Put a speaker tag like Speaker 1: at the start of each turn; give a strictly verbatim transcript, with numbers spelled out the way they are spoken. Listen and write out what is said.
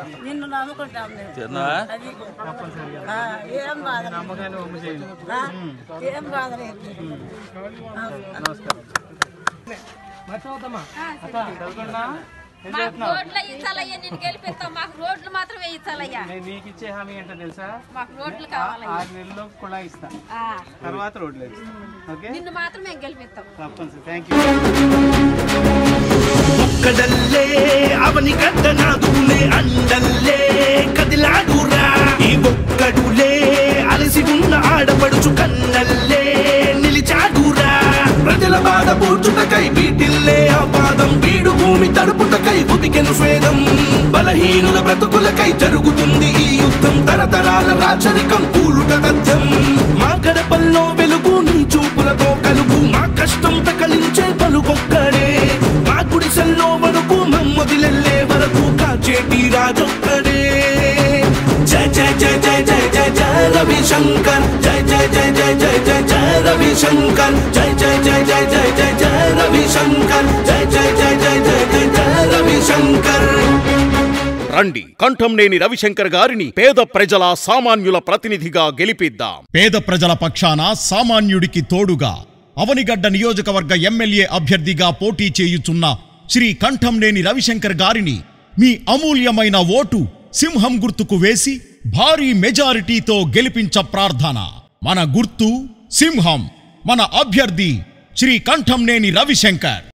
Speaker 1: నిన్ను నమ్ముకుంటాం అది ఏం బాధ నమ్మకాన్ని ఒమ్ము చేయండి ఏం బాధ లేదు నమస్కారం
Speaker 2: రోడ్లు ఇచ్చాలయ్యా నేను గెలిపిస్తాం మాకు రోడ్లు మాత్రమే ఇచ్చాలయ్యా
Speaker 1: మీకు ఇచ్చే హామీ ఏంటో తెలుసా
Speaker 2: మాకు రోడ్లు కావాలి
Speaker 1: ఆరు నెలల్లో కూడా ఇస్తా తర్వాత రోడ్లు ఓకే
Speaker 2: నిన్ను మాత్రం మేము గెలిపిస్తాం
Speaker 1: తప్పనిసరి థ్యాంక్ యూ
Speaker 3: ఒక్కడల్లే అవని గడ్డ నాదులే అండల్లే కదిలాడురా ఈ ఒక్కడులే అలసి ఉన్న ఆడపడుచు కన్నల్లే నిలిచాడురా ప్రజల బాధ పూడ్చుటకై వీటిల్లే ఆ పాదం వీడు భూమి తడుపుటకై ఉతికెను స్వేదం బలహీనుల బ్రతుకులకై జరుగుతుంది ఈ యుద్ధం తరతరాల రాచరికం కూలుట తథ్యం మా గడపల్లో వెలుగు నీ చూపులతో కలుగు మా కష్టం తకలించే పలుకొక్కడే మా గుడిసెల్లో వరకు మమ్మొదిలెళ్ళే వరకు కాచేటి రాజొక్కడే జయ జయ జయ జయ జయ జయ జయ రవిశంకర్ జయ జయ జయ జయ జయ జయ జయ రవిశంకర్ జయ జయ జయ జయ జయ జయ జయ రవిశంకర్ జయ జయ జయ జయ జయ జయ జయ రవిశంకర్
Speaker 4: రండి కంఠంనేని రవిశంకర్ గారిని పేద ప్రజల సామాన్యుల ప్రతినిధిగా గెలిపిద్దాం. పేద ప్రజల పక్షాన సామాన్యుడికి తోడుగా అవనిగడ్డ నియోజకవర్గ ఎమ్మెల్యే అభ్యర్థిగా పోటీ చేయుచున్న శ్రీ కంఠంనేని రవిశంకర్ గారిని మీ అమూల్యమైన ఓటు సింహం గుర్తుకు వేసి భారీ మెజారిటీతో గెలిపించ ప్రార్థన. మన గుర్తు సింహం, మన అభ్యర్థి శ్రీ కంఠంనేని రవిశంకర్.